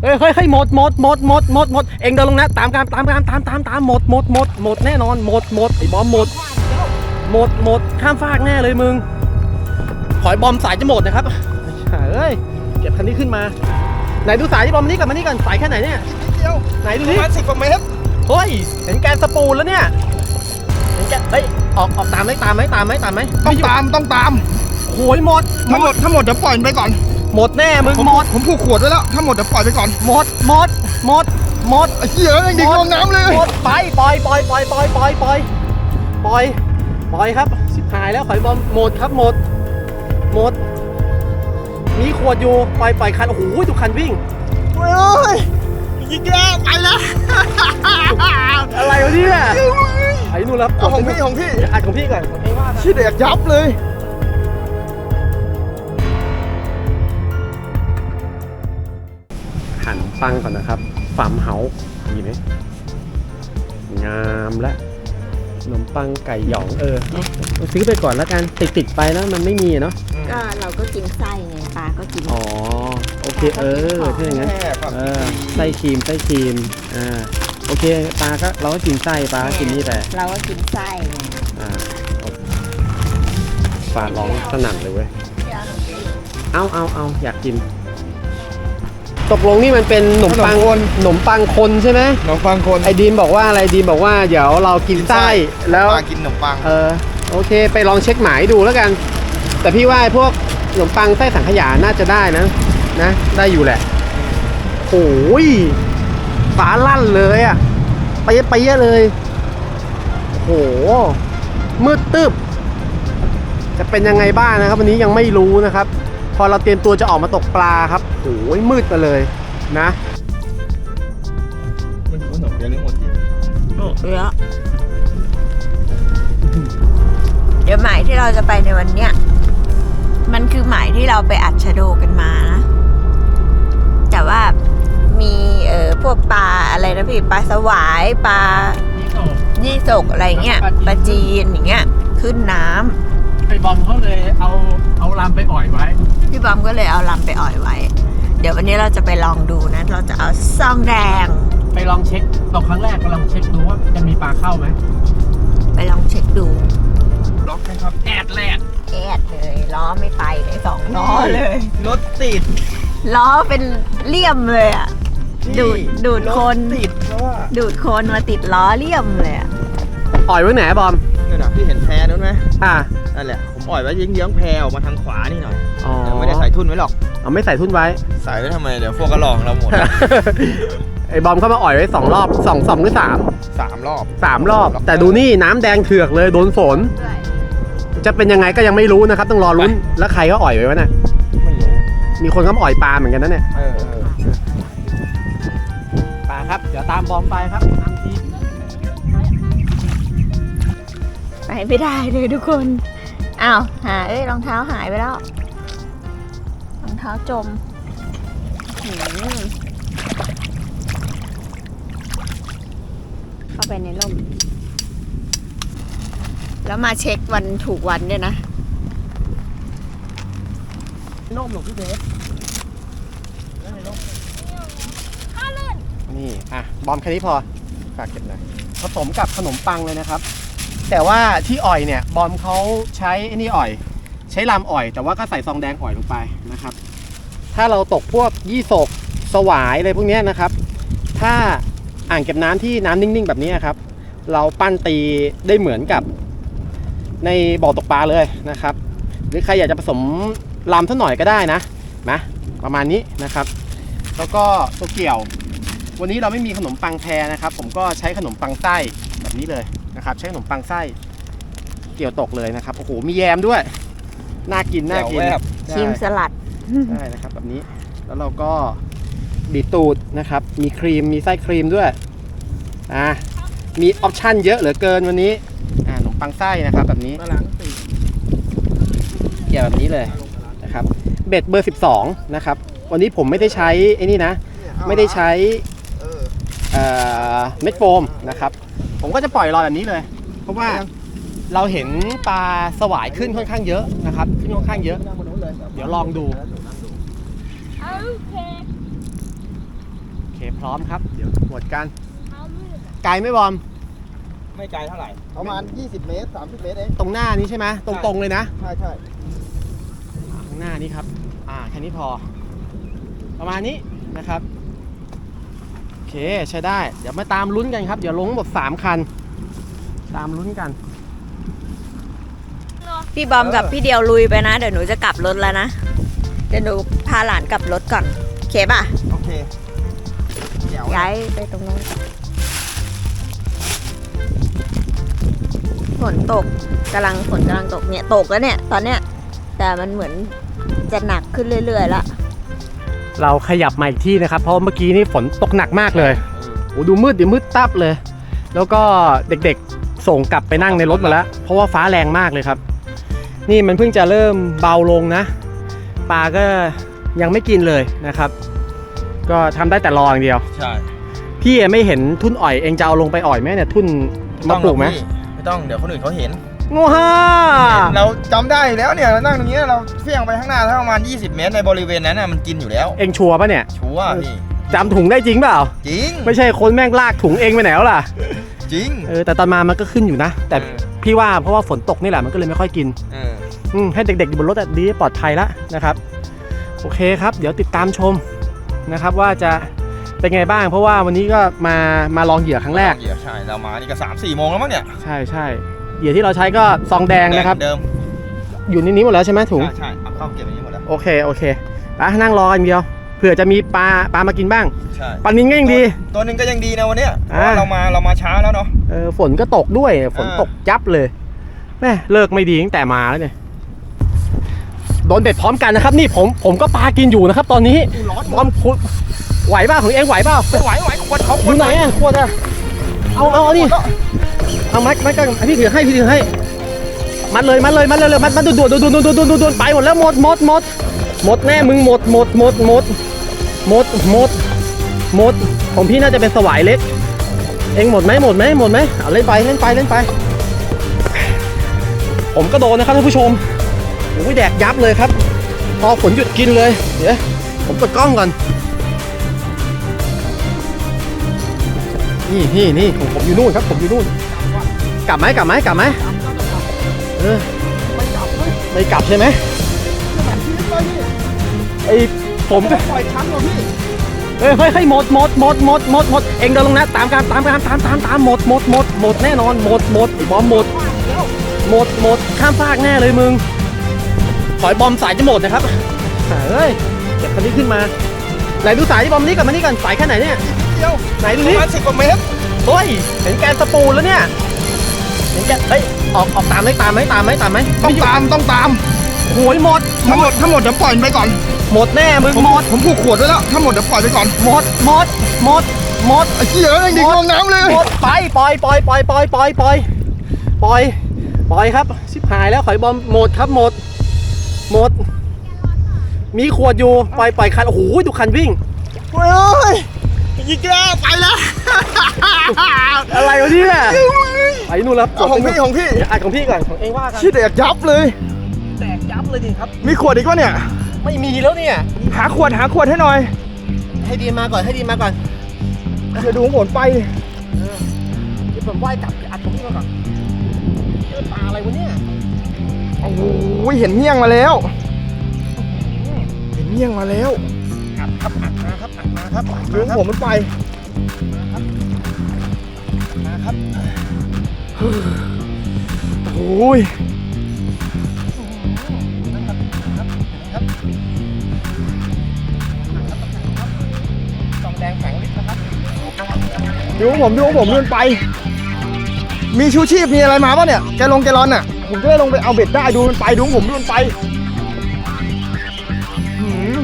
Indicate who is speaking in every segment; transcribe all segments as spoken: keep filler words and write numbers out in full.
Speaker 1: เฮ้ยเฮ้ยเฮ้ยหมดหมดหมดหมดหมดหมดเอ็งเดินลงนะตามการตามการตามตามตามหมดหมดหมดหมดแน่นอนหมดหมดไอ้บอมหมดหมดหมดข้ามฟากแน่เลยมึงขอยบอมสายจะหมดนะครับเฮ้ยเก็บคันนี้ขึ้นมาไหนดูสายที่บอมนี้ก่อนมานี่ก่อนสายแค่ไหนเนี่ย
Speaker 2: เดียว
Speaker 1: ไหนดู
Speaker 2: ป
Speaker 1: ดิ
Speaker 2: ระมาณสิบกว่าเมตร
Speaker 1: เฮ้ยเห็นแกนสปูลแล้วเนี่ยเห็นแกเฮ้ยออกออกตามไหมตามไหมตามไหมตามไหม
Speaker 2: ต้องตามต้องตาม
Speaker 1: โอ้ยหมด
Speaker 2: ถ้าหมดถ้าหมดเดี๋ยวปล่อยมันไปก่อน
Speaker 1: หมดแน่มึง
Speaker 2: ห
Speaker 1: หมด
Speaker 2: ผมผูกขวดไว้แล้วถ้าหมดเดี๋ยวปล่อยไปก่อน
Speaker 1: หมดหมดหมดหมด
Speaker 2: ไอ้เหี้ยยังดิ่งลงน้ำเลย
Speaker 1: หมดไปปล่อยปล่อยปล่อยปล่อยปล่อยปล่อยปล่อยปล่อยครับชิบหายแล้วขอยบอมหมดครับหมดหมดมีขวดอยู่ปล่อยปล่อยคันโอ้โหทุกคันวิ่ง
Speaker 2: โอ้ยยิงแล้วไปแล้ว
Speaker 1: อะไรวะเนี่ยไอ้นู่นแล้ว
Speaker 2: ของพี่ของพี่
Speaker 1: อัดของพี่ก่อนของเองว่า
Speaker 2: ชี้เด็กยับเลย
Speaker 1: หั่นปังก่อนนะครับฟาร์มเฮาส์ดีไหมงามและขนมปังไก่หยองเออซื้อไปก่อนแล้วกันติดติดไปแล้วมันไม่มีเนาะ
Speaker 3: ก็เราก็กินไส้ไงปลาก็กิน
Speaker 1: อ๋อโอเคเออถ้าอย่างนั้นเออไส้ครีมไส้ครีมอ่าโอเคปลาก็เราก็กินไส้ปลาก็กินนี่แต่
Speaker 3: เราก็กินไส้
Speaker 1: อ่าปลาร้องสนั่นเลยเว้ยเอาเอาเอาอยากกินตกลงนี่มันเป็นขนมปังคนขนมปังคนใช่ไหม
Speaker 2: ขนมปังคน
Speaker 1: ไอ้ดีมบอกว่าอะไรดีมบอกว่าเดี๋ยวเรากินไส้แล้ว
Speaker 2: ปลากินขนมปัง
Speaker 1: เออโอเคไปลองเช็คหมายดูแล้วกันแต่พี่ว่าพวกขนมปังไส้สังขยาน่าจะได้นะนะได้อยู่แหละโอ้ยฟ้าลั่นเลยอ่ะไปเยอะไปเยอะเลยโอ้โหมืดตึ๊บจะเป็นยังไงบ้างนะครับวันนี้ยังไม่รู้นะครับพอเราเตรียมตัวจะออกมาตกปลาครับโอ้ยมืดไปเลยนะ
Speaker 2: มันขนมเยอะหรือหมดจริง
Speaker 3: เยอะเดี๋ยวหมายที่เราจะไปในวันเนี้ยมันคือหมายที่เราไปอัดชะโดกันมานะแต่ว่ามีเอ่อพวกปลาอะไรนะพี่ปลาสวายปลายี่สกอะไรเงี้ยปลาจีนอย่างเงี้ยขึ้นน้ำ
Speaker 1: ไอ้บอมเขาเลยเอาเอาลำไปอ่อยไว้
Speaker 3: พี่บอมก็เลยเอาลำไปอ่อยไว้เดี๋ยววันนี้เราจะไปลองดูนะเราจะเอาซองแดง
Speaker 1: ไปลองเช็คตกครั้งแรกก็ลองเช็คดูว่าจะมีปลาเข้าไหม
Speaker 3: ไปลองเช็คดู
Speaker 2: ล็อกนะครับ
Speaker 1: แอดแรก
Speaker 3: แอดเลยล้อไม่ไปเลยสองล้อเลย
Speaker 2: รถติด
Speaker 3: ล้อเป็นเลี่ยมเลยอ่ะดูดดูดคน
Speaker 2: ติดเพราะว่า
Speaker 3: ดูดคนมาติดล้อเลี่ยมเลยอ่ะ
Speaker 1: อ่อยไว้ไหนบอม
Speaker 2: นี่นะพี่เห็นแพนู้นไหม
Speaker 1: อ่า
Speaker 2: นั่นแหละผมอ่อยไว้เยื้องๆแพออกมาทางขวานี่หน่อย
Speaker 1: อ๋อ
Speaker 2: ไม่ได้ใส่ทุ่นไว้หรอก
Speaker 1: เอาไม่ใส่ทุ่นไว้
Speaker 2: ใส่ไว้ทำไมเดี๋ยวพวกกระหลองเราหมด
Speaker 1: ไอ้บอมเข้ามาอ่อยไว้สองรอบสองสองหรือสาม
Speaker 2: สามรอบ
Speaker 1: สามรอบแต่ดูนี่น้ำแดงเถือกเลยโดนฝนจะเป็นยังไงก็ยังไม่รู้นะครับต้องรอลุ้นแล้วใครก็อ่อยไว้วะเนี่ย
Speaker 2: ไม่รู้
Speaker 1: มีคนก็อ่อยปลาเหมือนกันนะเนี่ย
Speaker 2: เออ
Speaker 1: ปลาครับเดี๋ยวตามบอมไปครับตามที
Speaker 3: ไปไม่ได้เลยทุกคนอ้าวหาเอ้ยรองเท้าหายไปแล้วรองเท้าจมเข้าไปในร่มแล้วมาเช็ควันถูกวันด้วยนะ
Speaker 1: ร่มหลงพี่เบสนี่อ่ะบอมแค่นี้พอฝากเก็บเลยผสมกับขนมปังเลยนะครับแต่ว่าที่อ่อยเนี่ยบอมเขาใช้ไอ้นี่อ่อยใช้ลำอ่อยแต่ว่าก็ใส่ซองแดงอ่อยลงไปนะครับถ้าเราตกพวกยี่สกสวายอะไรพวกนี้นะครับถ้าอ่างเก็บน้ำที่น้ำนิ่งๆแบบนี้ครับเราปั้นตีได้เหมือนกับในบ่อตกปลาเลยนะครับหรือใครอยากจะผสมลำสักหน่อยก็ได้นะนะประมาณนี้นะครับแล้วก็ตัวเกี่ยววันนี้เราไม่มีขนมปังแพรนะครับผมก็ใช้ขนมปังไส้แบบนี้เลยนะครับใช้ขนมปังไส้เกี่ยวตกเลยนะครับโอ้โหมีแยมด้วยน่ากินน่ากิน
Speaker 3: ชิมสลัด
Speaker 1: ใช่นะครับแบบนี้แล้วเราก็บีบตูดนะครับมีครีมมีไส้ครีมด้วยอ่ามีออปชั่นเยอะเหลือเกินวันนี้อ่าขนมปังไส้นะครับแบบนี้เกี่ยวแบบนี้เลยนะครับเบ็ดเบอร์สิบสองนะครับวันนี้ผมไม่ได้ใช้ไอ้นี่นะไม่ได้ใช้เม็ดโฟมนะครับผมก็จะปล่อยลอยแบบนี้เลยเพราะว่าเราเห็นปลาสวายขึ้นค่อนข้างเยอะนะครับขึ้นค่อนข้างเยอะเดี๋ยวลองดูพร้อมครับเดี๋ยวหมดกันไกลไหม่บอม
Speaker 2: ไม่ไกลเท่าไหร่
Speaker 4: ประมาณยี่สิบเมตรสามสิบเมตรเอง
Speaker 1: ตรงหน้านี้ใช่ไหมตรงๆเลยนะ
Speaker 4: ใช่ใช่
Speaker 1: ข้างหน้านี้ครับอ่าแค่นี้พอประมาณนี้นะครับโอเคใช้ได้เดี๋ยวมาตามลุ้นกันครับเดี๋ยวลงหมดสามคันตามลุ้นกัน
Speaker 3: พี่บอมกับพี่เดียวลุยไปนะเดี๋ยวหนูจะกลับรถแล้วนะเดี๋ยวหนูพาหลานกลับรถก่อนโอเคป่ะ
Speaker 2: โอเคเดี๋ยว
Speaker 3: ย้ายไปตรงนู้นฝนตกกำลังฝนกำลังตกเนี่ยตกแล้วเนี่ยตอนเนี้ยแต่มันเหมือนจะหนักขึ้นเรื่อยๆแล้ว
Speaker 1: เราขยับมาอีกที่นะครับเพราะเมื่อกี้นี่ฝนตกหนักมากเลยโอ้ดูมืดดิมืดตับเลย แล้วก็เด็กๆส่งกลับไปนั่งในรถมาแล้วเพราะว่าฟ้าแรงมากเลยครับนี่มันเพิ่งจะเริ่มเบาลงนะปลาก็ยังไม่กินเลยนะครับก็ทำได้แต่รออย่างเดียว
Speaker 2: ใช่
Speaker 1: พี่ไม่เห็นทุ่นอ่อยเองจะเอาลงไปอ่อยไหมเนี่ยทุ่นมาปลูกไหม
Speaker 2: ไม่ต้องเดี๋ยวคนอื่นเขาเห็น
Speaker 1: โง่ฮ่า
Speaker 2: เราจำได้แล้วเนี่ยเรานั่งตรงนี้เราเฟี้ยงไปข้างหน้าถ้าประมาณยี่สิบเมตรในบริเวณนั้นน่ะมันกินอยู่แล้ว
Speaker 1: เองชัวร์ปะเนี่ย
Speaker 2: ชัวร์พี่
Speaker 1: จำถุงได้จริงเปล่า
Speaker 2: จริง
Speaker 1: ไม่ใช่คนแม่งลากถุงเองไปไหนแล้วล่ะ
Speaker 2: จริง
Speaker 1: เออแต่ตอนมามันก็ขึ้นอยู่นะ แต่
Speaker 2: เออ
Speaker 1: พี่ว่าเพราะว่าฝนตกนี่แหละมันก็เลยไม่ค่อยกิน
Speaker 2: เออ
Speaker 1: อืมให้เด็กๆอยู่บนรถอะดีปลอดภัยแล้วนะครับโอเคครับ เดี๋ยวติดตามชมนะครับว่าจะเป็นไงบ้าง เพราะว่าวันนี้ก็มามาลองเหยื่อครั้งแรก
Speaker 2: เหยื่อใช่เรามานี่ก็สามสี่โมงแล้วมั้งเนี่ย
Speaker 1: ใช่ใช่เหยื่อที่เราใช้ก็ซองแดงนะครับ
Speaker 2: เดิม
Speaker 1: อยู่ในนี้หมดแล้วใช่ไหมถุง
Speaker 2: ใช่ใช่เอาเข้าเก็บไว้นี่หมดแล้ว
Speaker 1: โอเคโอเคไปนั่งรอกันเดียวเผื่อจะมีปลาปลามากินบ้าง
Speaker 2: ใช่
Speaker 1: ปลานินก็ยังดี
Speaker 2: ตัวหนึ่งก็ยังดีนะวันเนี้ยเพ
Speaker 1: อ่า
Speaker 2: ราะว่าเรามาเรามาช้าแล้วเนาะ
Speaker 1: เออฝนก็ตกด้วยฝน
Speaker 2: อ่า
Speaker 1: ตกยับเลยแม่เลิกไม่ดีตั้งแต่มาแล้วเนี่ยโดนเด็ดพร้อมกันนะครับนี่ผมผมก็ปลากินอยู่นะครับ ตอนนี้บอมคุณไหวเปล่าของเองไหวเปล่า
Speaker 2: ไม่ไหวไหวขวดเขา
Speaker 1: อยู่ไหนอ่ะขวดอ่ะเอาเอาเอานี่เอามัดมัดกันพี่ถือให้พี่ถือให้มัดเลยมัดเลยมัดเลยมัดมัดด่วนด่วนด่วนด่วนด่วนด่วนด่วนไปหมดแล้วหมดหมดหมดหมดแน่มึงหมดหมดหมดหมดหมดหมดหมดของพี่น่าจะเป็นสวายเล็กเองหมดไหมหมดไหมหมดไหมเอาเล่นไปเล่นไปเล่นไปผมก็โดนนะครับท่านผู้ชมโอ้ยแดกยับเลยครับพอฝนหยุดกินเลยเดี๋ยวผมกดกล้องก่อนนี่นี่นี่ผมผมอยู่นู่นครับผมอยู่นู่นกลับไหมกลับไหมกลับไหมเออไม่กลับใช่ไหมไอผมก็
Speaker 4: ปล่อยชั้นเหรอพี่
Speaker 1: เฮ้ยเฮ้ยเฮ้ยหมดหมดหมดหมดหมดหมดเองเดินลงนะตามการตามการตามตามตามหมดหมดหมดหมดแน่นอนหมดหมดไอ้บอมหมดหมดหมดข้ามฟากแน่เลยมึงถอยบอมสายจะหมดนะครับเฮ้ยเก็บคันนี้ขึ้นมาไหนดูสายที่บอมนี้ก่อนมานี่ก่อนสายแค่ไหนเนี่ย
Speaker 4: เดียว
Speaker 1: ไหนดู
Speaker 2: ป
Speaker 1: นี่
Speaker 2: ระมาณสิบกว่าเมตร
Speaker 1: เฮ้ยเห็นแกนสปูนแล้วเนี่ยเห็นแกนเฮ้ยออกออกตามไหมตามไหมตามไหมตามไหม
Speaker 4: ต้องตามต้องตาม
Speaker 1: โหยหมด
Speaker 4: ทั้งหมดทั้งหมดเดี๋ยวปล่อยมันไปก่อน
Speaker 1: หมดแน่มึง
Speaker 4: ผม
Speaker 1: หมด
Speaker 4: ผมผูกขวดไว้แล้วทั้งหมดเดี๋ยวปล่อยไปก่อน
Speaker 1: หมดหมดหมดหมด
Speaker 4: ไอ้เหี้ยเอ้ยดิ่งลงน้ำเลย
Speaker 1: หมดไปปล่อยปล่อยปล่อยปล่อยปล่อยปล่อยปล่อยปล่อยครับชิบหายแล้วขอยบอมหมดครับหมดหมดมีขวดอยู่ปล่อยปล่อยคันโอ้โหดูคันวิ่ง
Speaker 4: เฮ้ยยิงแกไปแล้ว
Speaker 1: อะไรวะเนี่ยไปนู่นแล้ว
Speaker 4: เอาของพี่ของพี่
Speaker 1: อ่ะของพี่ก่อนของเองว่ากัน
Speaker 4: ชี้แตกยับเลย
Speaker 1: แตกยับเลยดิครับ
Speaker 4: มีขวดอีกวะเนี่ย
Speaker 1: ไม่มีแล้วเนี่ย
Speaker 4: หาขวดหาขวดให้หน่อย
Speaker 1: ให้ดีมาก่อนให้ดีมาก่อน
Speaker 4: เดี๋ยวดูผลไป
Speaker 1: เดี๋ยวผมว่ายกลับอัดตรงนี้มาก่อนเจอปลาอะไรวะเนี่ย
Speaker 4: โอ้โหเห็นเงี้ยงมาแล้ว เห็นเงี้ยงมาแล้ว
Speaker 1: อัดครับอัดมาครับอัดมาครับอัด
Speaker 4: ดู
Speaker 1: มาครับ
Speaker 4: ผมมันไป
Speaker 1: มาครับ
Speaker 4: โอ้ย
Speaker 1: ครับซองแดงแข็งลิตรนะครับ
Speaker 4: ดูผมดูผมมันไป มีชูชีพมีอะไรมาป่ะเนี่ยแกลงแกลอนอ่ะผมจะได้ลงไปเอาเบ็ดได้ดูมันไปดูผมดูมันไปหืม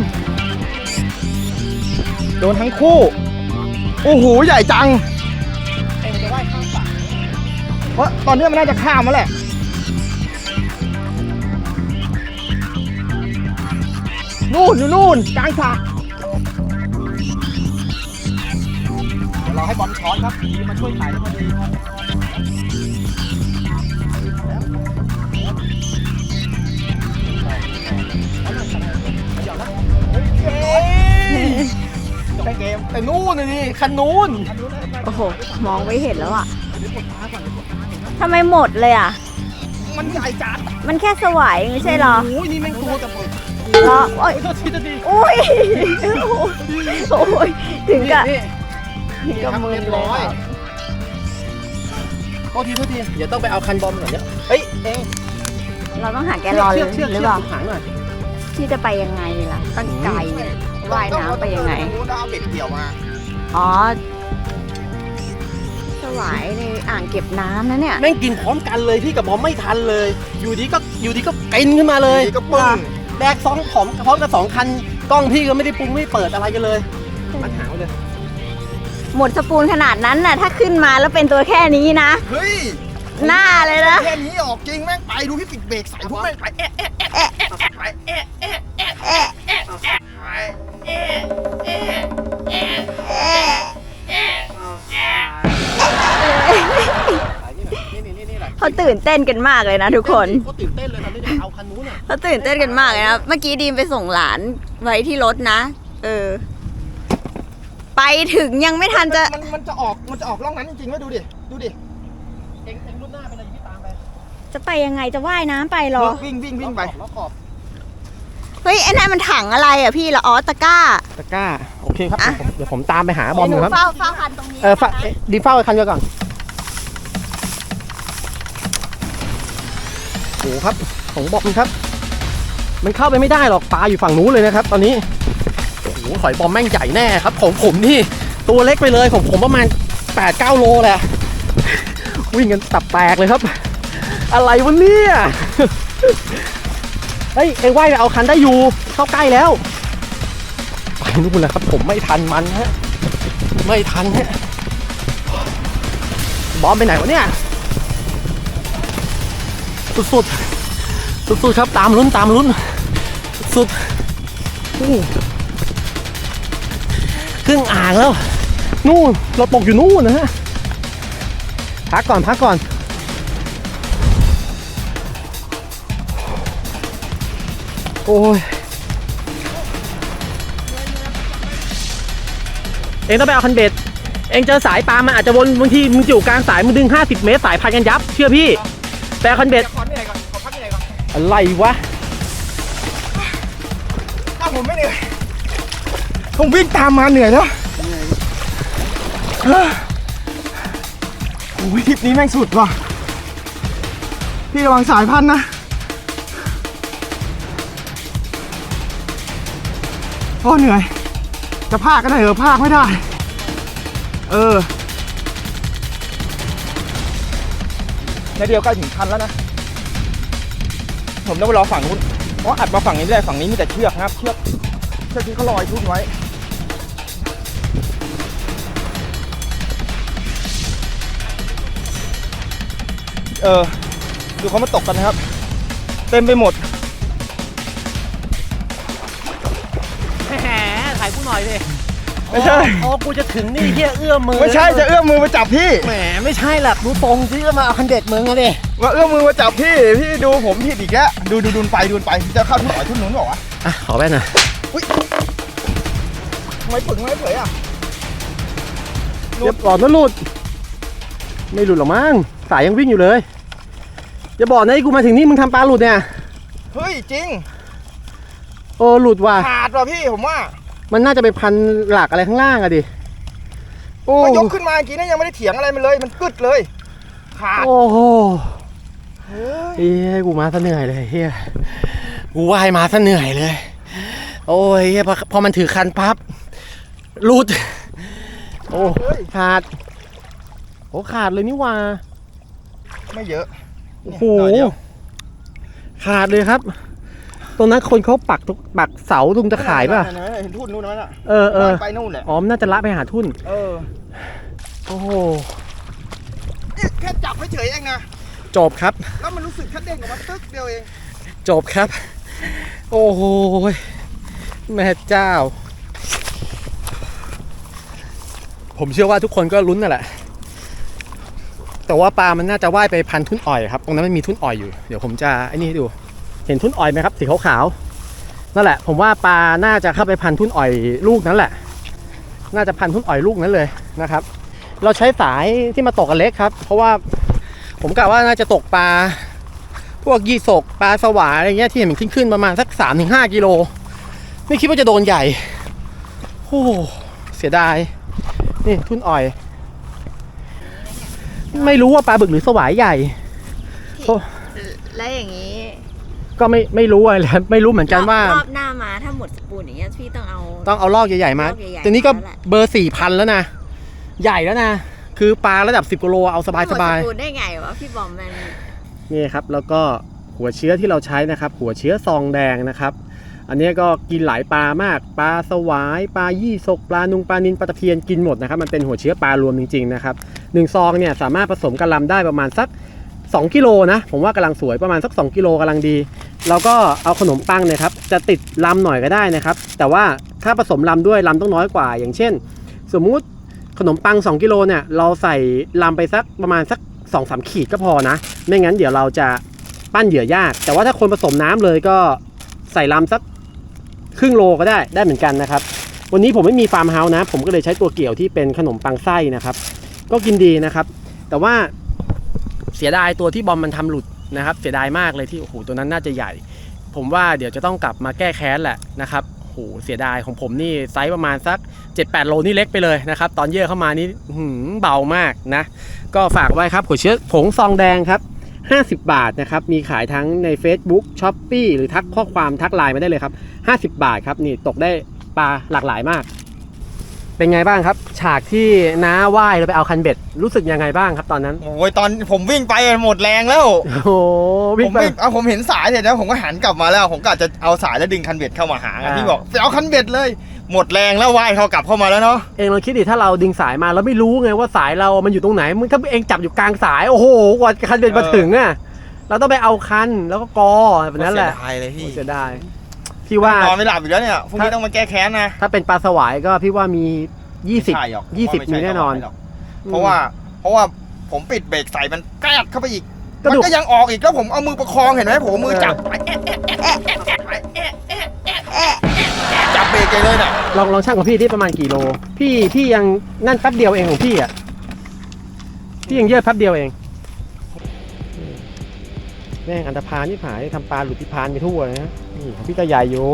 Speaker 4: โดนทั้งคู่โอ้โหใหญ่จัง
Speaker 1: เอ็งจะว่ายข้ามฝั่ง
Speaker 4: เพราะตอนนี้มันน่าจะข้ามมาแหละนู่นอยู่นู่นกลางสระ
Speaker 1: เดี๋ยวเราให้บอมช้อนครับดีมาช่วยถ่ายให้พอดีแต
Speaker 2: ให้เกม
Speaker 1: แต่นู่นน่ะนี่คันนู้น
Speaker 3: โอ้โห มองไม่เห็นแล้วอ่ะทำไมหมดเลยอ่ะ
Speaker 2: มันใหญ่จัด
Speaker 3: มันแค่สวายไม่ใช่เหรอ
Speaker 1: โอ้ยนี่แม่งตัวกับผม
Speaker 3: เหรอโอ้ย
Speaker 1: โทษทีโทษที
Speaker 3: อุ้ยโอ้ยถึงกับ
Speaker 1: นี่
Speaker 3: ถึงกับมือ
Speaker 1: เรียบ
Speaker 3: เล
Speaker 1: ร้อย
Speaker 3: ย
Speaker 1: โทษทีโทษทีเดี๋ยวต้องไปเอาคันบอมหน่อยเนี่ยเฮ้ยเอง
Speaker 3: เราต้องหาแกลลอน
Speaker 1: เชือกเชือก
Speaker 3: ห
Speaker 1: เชื
Speaker 3: รือ
Speaker 1: อก
Speaker 3: เปล่า
Speaker 1: หางหน่อย
Speaker 3: ที่จะไปยังไงล่ะตั้งไกลเนี่ยว่ายน้ำไปยังไง
Speaker 2: ต้องเอาเบ็ดเกี่ยวมา
Speaker 3: อ๋อ สวายในอ่างเก็บน้ำนะเนี่ย
Speaker 1: แม่งกินพร้อมกันเลยพี่กับบอมไม่ทันเลย อยู่ดีก็อยู่ดีก็เป็นขึ้นมาเลย
Speaker 2: ดีก็ปึ้ง
Speaker 1: แบกสองผอมพร้อมกับสองคันกล้องพี่ก็ไม่ได้ปรุงไม่เปิดอะไรกันเลยมันหางเลย
Speaker 3: หมดสปูนขนาดนั้นน่ะ ถ้าขึ้นมาแล้วเป็นตัวแค่นี้นะ
Speaker 2: เฮ้ย
Speaker 3: หน้าเลยนะ
Speaker 2: แค่นี้ออกจริงแม่งไปดูพี่ปิดเบรกใส่พวกแม่งไปเอ๊ะเอ๊ะเอ๊ะเอ๊ะไปเอ๊ะเอ๊ะเอ๊ะเอ๊ะเอ๊ะไปเอ๊ะเอ๊ะเอ๊ะเอ๊ะเอ๊ะ
Speaker 1: นี่นี่นี่นี่แหละ
Speaker 3: เขาตื่นเต้นกันมากเลยนะทุกคน
Speaker 1: เขาตื่นเต้นเลยตอนนี้จะเอาคันนู้นอ่ะ
Speaker 3: เขาตื่นเต้นกันมากเลยนะ เมื่อกี้ดีมไปส่งหลานไว้ที่รถนะ เออ ไปถึงยังไม่ทันจะ
Speaker 2: มันมันจะออกมันจะออกร่องนั้นจริงๆไหมดูดิดูดิ
Speaker 1: เอ็งเอ็งรุ่นหน้าเป็นอะไรพี่ตามไป
Speaker 3: จะไปยังไงจะว่ายน้ำไปเหรอ
Speaker 2: วิ่งวิ่งวิ่งไป
Speaker 1: ล้อขอบ
Speaker 3: เฮ้ยไอ้นั่นมันถังอะไรอ่ะพี่ละอ๋อตะกร้า
Speaker 1: ตะกร้าโอเคครับ
Speaker 3: อ่ะ
Speaker 1: เดี๋ยวผมตามไปหาบอม
Speaker 3: ห
Speaker 1: อ
Speaker 3: นู
Speaker 1: ยู่ครับ
Speaker 3: เฝ้าเฝ้าคันตรงนี้
Speaker 1: เออฝ้า
Speaker 3: นะคะ
Speaker 1: เอ๊ะดีเฝ้าไอ้คันเดียวก่อนโอ้ครับของบอมครับ มันเข้าไปไม่ได้หรอกปลาอยู่ฝั่งนู้นเลยนะครับ ตอนนี้โอ้โหหอยบอมแม่งใหญ่แน่ครับของผมนี่ตัวเล็กไปเลยของผมประมาณแปดเก้าโลแหละวิ่งกันตับแตกเลยครับ อะไรวะเนี่ยเฮ้ยเอ็งว่ายไปเอาคันได้อยู่เข้าใกล้แล้วไปนู่นแหละครับผมไม่ทันมันฮะไม่ทันฮะบอมไปไหนวะเนี่ยสุดๆสุดๆครับตามลุ้นตามลุ้นสุดอู้ครึ่งอ่างแล้วนู่นเราตกอยู่นู่นนะฮะพักก่อนพักก่อนโอ้ยเองต้องไปเอาคันเบ็ดเองเจอสายปลามันอาจจะวนบางทีมึงอยู่กลางสายมึงดึงห้าสิบเมตรสายพันกันยับเชื่อพี่แต่คันเบ็ด
Speaker 2: ขอเหนื่อยก่อนขอพักเหนื่อยก่อน
Speaker 1: อะไรวะ
Speaker 2: ถ้าผมไม่เหนื่อยผมวิ่งตามมาเหนื่อยแล้วโอ้ยทริปนี้แม่งสุดว่ะพี่ระวังสายพันนะโอ้เหนื่อยจะพากก็ได้เออพากไม่ได้เออในเดียวใกล้ถึงคันแล้วนะผมต้องไปรอฝั่งนู้นเพราะอัดมาฝั่งนี้ไม่ได้ฝั่งนี้มีแต่เชือกนะครับเชือกเชือกที่เขาลอยทุ่นไว้เออดูเขามาตกกันนะครับเต็มไปหมด
Speaker 1: แหมถ่ายกูหน่อยดิ
Speaker 2: ไม่ใช่
Speaker 1: โอ้กูจะถึงนี่เฮียเอื้อมมือ
Speaker 2: ไม่ใช่จะเอื้อมมือมาจับพี่
Speaker 1: แหมไม่ใช่หรอกดูตรงที่จะมาเอาคันเด็ดมึงอะดิ
Speaker 2: ว่าเอื้อมมือมาจับพี่พี่ดูผมผิดอีกแล้วดูดูดูไปดูไปจะเข้าทุ่นหอยทุ่นนู้นหรอวะ
Speaker 1: อ่ะขอแว่นหน่อย
Speaker 2: ทำไมปึงไม่เผยอ่ะ
Speaker 1: เรียบร้อยนะหลุดไม่หลุดหรอกมั้งสายยังวิ่งอยู่เลยอย่าบอกนะไอ้กูมาถึงนี่มึงทำปลาหลุดเนี่ย
Speaker 2: เฮ้ยจริง
Speaker 1: โอ้หลุดว่ะ
Speaker 2: ขาดว่ะพี่ผมว่า
Speaker 1: มันน่าจะไปพันหลักอะไรข้างล่างอะดิโอ้
Speaker 2: ก็ยกขึ้นมาเมื่อกี้นี่ยังไม่ได้เถียงอะไรมันเลยมันกึดเลยขาด
Speaker 1: โอ้โห
Speaker 2: เฮ้ย
Speaker 1: เฮ้ยกูมาซะเหนื่อยเลยเฮียกูว่ายมาซะเหนื่อยเลย โอ้ยเฮียพอพอมันถือคันปั๊บหลุดโอ้ขาดโอ้ขาดเลยนี่ว่า
Speaker 2: ไม่เยอะ
Speaker 1: โอ้โห
Speaker 2: หน่อยเดียว
Speaker 1: ขาดเลยครับ ตรงนั้นคนเขาปักทุกปักเสาตรงตะข่ายป่ะ
Speaker 2: นั่นๆๆเห็นทุ่นนู้นนั่นน่ะ
Speaker 1: เออเออ
Speaker 2: ไปนู่นแหละ
Speaker 1: อ๋อมนน่าจะละไปหาทุ่น
Speaker 2: เออ
Speaker 1: โอ้โห
Speaker 2: เนี่ยแค่จับเฉยๆเองนะ
Speaker 1: จบครับ
Speaker 2: แล้วมันรู้สึกแค่เด้งออกมาตึ๊กเดียวเอง
Speaker 1: จบครับ โอ้โหแม่เจ้า ผมเชื่อว่าทุกคนก็ลุ้นนั่นแหละ แต่ว่าปลามันน่าจะว่ายไปพันทุ่นอ่อยครับ ตรงนั้นมันมีทุ่นอ่อยอยู่ เดี๋ยวผมจะไอ้นี่ให้ดู เห็นทุ่นอ่อยไหมครับ สีขาวๆ นั่นแหละ ผมว่าปลาน่าจะเข้าไปพันทุ่นอ่อยลูกนั้นแหละน่าจะพันทุ่นอ่อยลูกนั้นเลยนะครับเราใช้สายที่มาตกกันเล็กครับเพราะว่าผมกะว่าน่าจะตกปลาพวกยี่สกปลาสวายอะไรเงี้ยที่เห็นมันขึ้นๆประมาณสัก สามถึงห้า กิโลไม่คิดว่าจะโดนใหญ่โอ้เสียดายนี่ทุ่นอ่อยไม่รู้ว่าปลาบึกหรือสวายใหญ่
Speaker 3: แล้วอย่างนี้
Speaker 1: ก็ไม่ไม่รู้อะไรเลยไม่รู้เหมือนกันว่าร
Speaker 3: อบหน้ามาถ้าหมดสปูนอย่างเงี้ยพี่ต้องเอา
Speaker 1: ต้องเอาลอกใหญ่ๆมา
Speaker 3: ลอกใหญ่ๆ
Speaker 1: แต่นี้ก็
Speaker 3: มาแล้วแหละ
Speaker 1: เบอร์สี่พันแล้วนะใหญ่แล้วนะคือปลาระดับสิบกิโลเอาสบายสบาย
Speaker 3: หมดสปูนได้ไงวะพี่บอมมัน
Speaker 1: นี่ครับแล้วก็หัวเชื้อที่เราใช้นะครับหัวเชื้อซองแดงนะครับอันนี้ก็กินหลายปลามากปลาสวายปลายี่สกปลานุงปลานิลปลาตะเพียนกินหมดนะครับมันเป็นหัวเชื้อปลารวมจริงๆนะครับหนึ่งซองเนี่ยสามารถผสมกะลำได้ประมาณสักสองกิโลนะผมว่ากำลังสวยประมาณสักสองกิโลกำลังดีแล้วก็เอาขนมปังเนี่ยครับจะติดลำหน่อยก็ได้นะครับแต่ว่าถ้าผสมลำด้วยลำต้องน้อยกว่าอย่างเช่น สมมุติขนมปังสองกิโลเนี่ยเราใส่ลำไปสักประมาณสัก สองสาม ขีดก็พอนะไม่งั้นเดี๋ยวเราจะปั้นเหยื่อยากแต่ว่าถ้าคนผสมน้ำเลยก็ใส่ลำสักครึ่งโลก็ได้ได้เหมือนกันนะครับวันนี้ผมไม่มีฟาร์มเฮาส์นะผมก็เลยใช้ตัวเกี่ยวที่เป็นขนมปังไส้นะครับก็กินดีนะครับแต่ว่าเสียดายตัวที่บอมมันทำหลุดนะครับเสียดายมากเลยที่โอ้โหตัวนั้นน่าจะใหญ่ผมว่าเดี๋ยวจะต้องกลับมาแก้แค้นแหละนะครับโอ้โหเสียดายของผมนี่ไซส์ประมาณสัก เจ็ดแปด โลนี่เล็กไปเลยนะครับตอนเยื่อเข้ามานี่หืมเบามากนะก็ฝากไว้ครับหัวเชื้อผงซองแดงครับห้าสิบบาทนะครับมีขายทั้งใน Facebook Shopee หรือทักข้อความทักไลน์มาได้เลยครับห้าสิบบาทครับนี่ตกได้ปลาหลากหลายมากเป็นไงบ้างครับฉากที่น้าว่ายเราไปเอาคันเบ็ดรู้สึกยังไงบ้างครับตอนนั้น
Speaker 2: โอ้ยตอนผมวิ่งไปหมดแรงแล้ว
Speaker 1: โอ้โห
Speaker 2: ผ
Speaker 1: วิ่ง
Speaker 2: ม
Speaker 1: ไป
Speaker 2: วิ่งเอาผมเห็นสายเสร็จแล้วผมก็หันกลับมาแล้วผมก็จะเอาสายแล้วดึงคันเบ็ดเข้ามาหา
Speaker 1: อ่า
Speaker 2: พี่บอกไปเอาคันเบ็ดเลยหมดแรงแล้วว่ายเขากลับเข้ามาแล้วเนาะ
Speaker 1: เองลองคิดดิถ้าเราดึงสายมาเราไม่รู้ไงว่าสายเรามันอยู่ตรงไหนมึงถ้าเองจับอยู่กลางสายโอ้โหกว่าคันเบ็ดมาถึงอ่ะเราต้องไปเอาคันแล้วก็กอแบบนั้นแหละ
Speaker 2: เสียดายเลยพี่
Speaker 1: เสียดายพี่ว่าน
Speaker 2: อนไม่หลับอีกแล้วเนี่ยพรุ่งนี้ต้องมาแก้แค้นนะ
Speaker 1: ถ้าเป็นปลาสวายก็พี่ว่ามียี่สิบ
Speaker 2: ไม่ใช่หรอก
Speaker 1: ยี่สิบ
Speaker 2: ไใช่
Speaker 1: มีแน่นอน
Speaker 2: หรกเพราะว่าเพราะว่าผมปิดเบรกใส่มันแกรดเข้าไปอีก
Speaker 1: กระ
Speaker 2: มัน
Speaker 1: ดูก
Speaker 2: ก็ยังออกอีกแล้วผมเอามือประคองเห็นไหมผมเอามือจับจับเบรกเลยน่ะ
Speaker 1: ลองลองช่างของพี่ที่ประมาณกี่โลพี่พี่ยังนั่นแป๊บเดียวเองของพี่อ่ะพี่ยังเยอะแป๊บเดียวเองแม่งอันธพาลนี่ผายทำปลาหลุดพิพานไปทั่วเลยนะนี่ของพี่ก็ใหญ่อยู่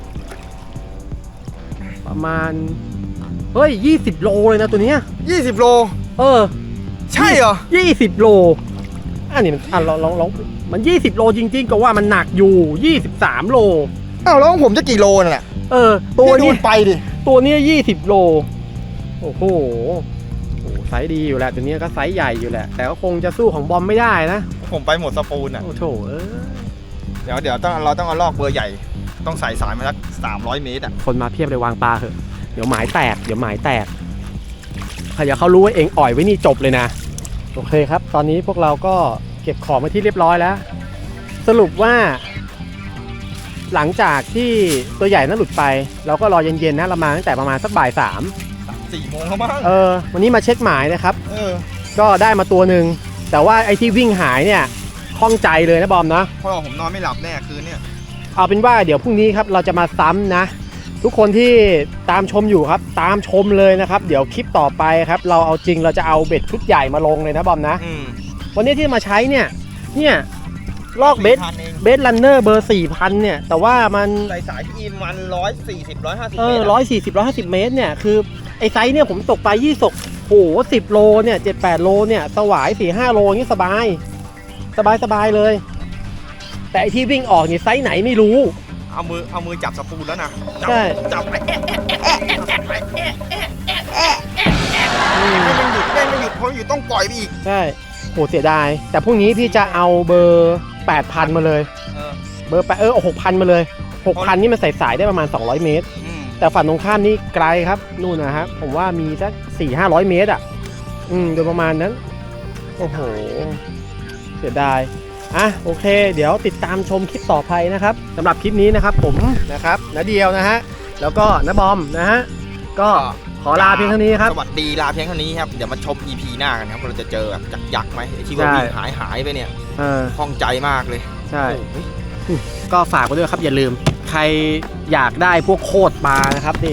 Speaker 1: ประมาณเฮ้ยยี่สิบโลเลยนะตัวเนี้ย
Speaker 2: ยี่สิบโล
Speaker 1: เออ
Speaker 2: ใช่เหรอ
Speaker 1: ยี่สิบโลอันนี้มันอ่ะลองลองลองมันยี่สิบโลจริงๆก็ว่ามันหนักอยู่ยี่สิบสามโล
Speaker 2: อ้าวแล้วของผมจะกี่โลนั่นแหละ
Speaker 1: เออตัว
Speaker 2: พี่ดู
Speaker 1: นี้
Speaker 2: มันไปดิ
Speaker 1: ตัวนี้ยี่สิบโลโอ้โหโอ้โหไซส์ดีอยู่แหละตัวนี้ก็ไซส์ใหญ่อยู่แหละแต่ก็คงจะสู้ของบอมไม่ได้นะ
Speaker 2: ผมไปหมดสปูนอ่ะ
Speaker 1: โอ้โถเออ
Speaker 2: เดี๋ยวเดี๋ยวต้องเราต้องเอาลอกเบอร์ใหญ่ ต้องใส่สายมาสักสามร้อยเมตรอ่ะ
Speaker 1: คนมาเพียบเลยวางปลาเถอะเดี๋ยวหมายแตกเดี๋ยวหมายแตกใครจะเขารู้ว่าเองอ่อยไว้นี่จบเลยนะโอเคครับ ตอนนี้พวกเราก็เก็บของมาที่เรียบร้อยแล้ว สรุปว่า หลังจากที่ตัวใหญ่นั้นหลุดไป เราก็รอเย็นๆนะเรามาตั้งแต่ประมาณสักบ่ายสาม
Speaker 2: สี่โมงแล้วมั้ง
Speaker 1: เออวันนี้มาเช็คหมายนะครับ
Speaker 2: เออ
Speaker 1: ก็ได้มาตัวหนึ่งแต่ว่าไอ้ที่วิ่งหายเนี่ยข้องใจเลยนะบอมนะ
Speaker 2: เพราะว่าผมนอนไม่หลับแน่คืนเนี่ย
Speaker 1: เอาเป็นว่าเดี๋ยวพรุ่งนี้ครับเราจะมาซ้ำนะ ทุกคนที่ตามชมอยู่ครับ ตามชมเลยนะครับ เดี๋ยวคลิปต่อไปครับ เราเอาจริงเราจะเอาเบ็ดชุดใหญ่มาลงเลยนะบอมนะ
Speaker 2: อืม
Speaker 1: วันนี้ที่มาใช้เนี่ยเนี่ยลอกเบส
Speaker 2: พันเอง
Speaker 1: เบสลันเนอร์เบอร์สี่พันเนี่ยแต่ว่ามัน
Speaker 2: ใส่สายที่อินมันร้อยสี่สิบร้อยห้าสิบ
Speaker 1: เอ
Speaker 2: เม
Speaker 1: อ
Speaker 2: ตร
Speaker 1: ร้อยสี่สิบร้อยห้าสิบเมตรเนี่ยคือไอ้ไซส์เนี่ยผมตกปลายี่สกโหสิบโลเนี่ยเจ็ดแปดโลเนี่ยสวายสี่ห้าโลอย่างนี้สบาย สบายสบายเลย แต่ไอ้ที่วิ่งออกนี่ไซส์ไหนไม่รู้
Speaker 2: เอามือเอามือจับสปูนแล้วนะจั
Speaker 1: ใช่
Speaker 2: จับไปแอะแอะแอะแอะไปแอะแอะแอะแอะแอะให้มันหยุดให้มันหยุดเพราะหยุดต้องปล่อยไปอีก
Speaker 1: ใช่โหเสียดายแต่พรุ่งนี้พี่จะเอาเบอร์แปดพันมาเลย
Speaker 2: เออ
Speaker 1: เบอร์แปดเออหกพันมาเลยหกพันนี่มันใส่สายได้ประมาณสองร้อยเมตร
Speaker 2: อืม
Speaker 1: แต่ฝั่งตรงข้ามนี่ไกลครับนู่นนะครับผมว่ามีสักสี่ห้าร้อยเมตรอ่ะอืมโดยประมาณนั้นโอ้โหเสียดายอ่ะโอเค เดี๋ยวติดตามชมคลิปต่อไปนะครับสำหรับคลิปนี้นะครับผมนะครับณเดียวนะฮะแล้วก็ณบอมนะฮะก็ขอลาเพียงเท่านี้ครับ
Speaker 2: สวัสดีลาเพียงเท่านี้ครับเดี๋ยวมาชม อี พี หน้ากันครับเราจะเจอแบบจักยักษ์ไหมไอ้ที่ว่า
Speaker 1: ใช่
Speaker 2: วิ่งหายหายไปเนี่ย
Speaker 1: เออ
Speaker 2: คล่องใจมากเลย
Speaker 1: ใช่
Speaker 2: โอ้โห
Speaker 1: ก็ฝากไว้ด้วยครับอย่าลืม ใครอยากได้พวกโคตรปลานะครับนี่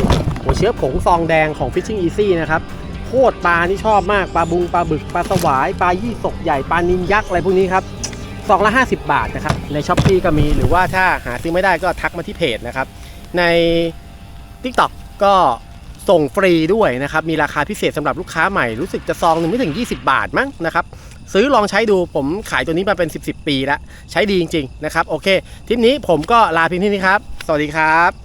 Speaker 1: หัวเชื้อผงซองแดงของ Fishing Easy นะครับโคตรปลานี่ชอบมากปลาบุงปลาบึกปลาสวายปลายี่สกใหญ่ปลานิลยักษ์อะไรพวกนี้ครับซองละห้าสิบบาทนะครับใน Shopee ก็มีหรือว่าถ้าหาซื้อไม่ได้ก็ทักมาที่เพจนะครับใน TikTok ก็ส่งฟรีด้วยนะครับมีราคาพิเศษสำหรับลูกค้าใหม่รู้สึกจะซองหนึ่งไม่ถึงยี่สิบบาทมั้งนะครับซื้อลองใช้ดูผมขายตัวนี้มาเป็นสิบ สิบปีแล้วใช้ดีจริงๆนะครับโอเคทริปนี้ผมก็ลาเพียงเท่านี้ครับสวัสดีครับ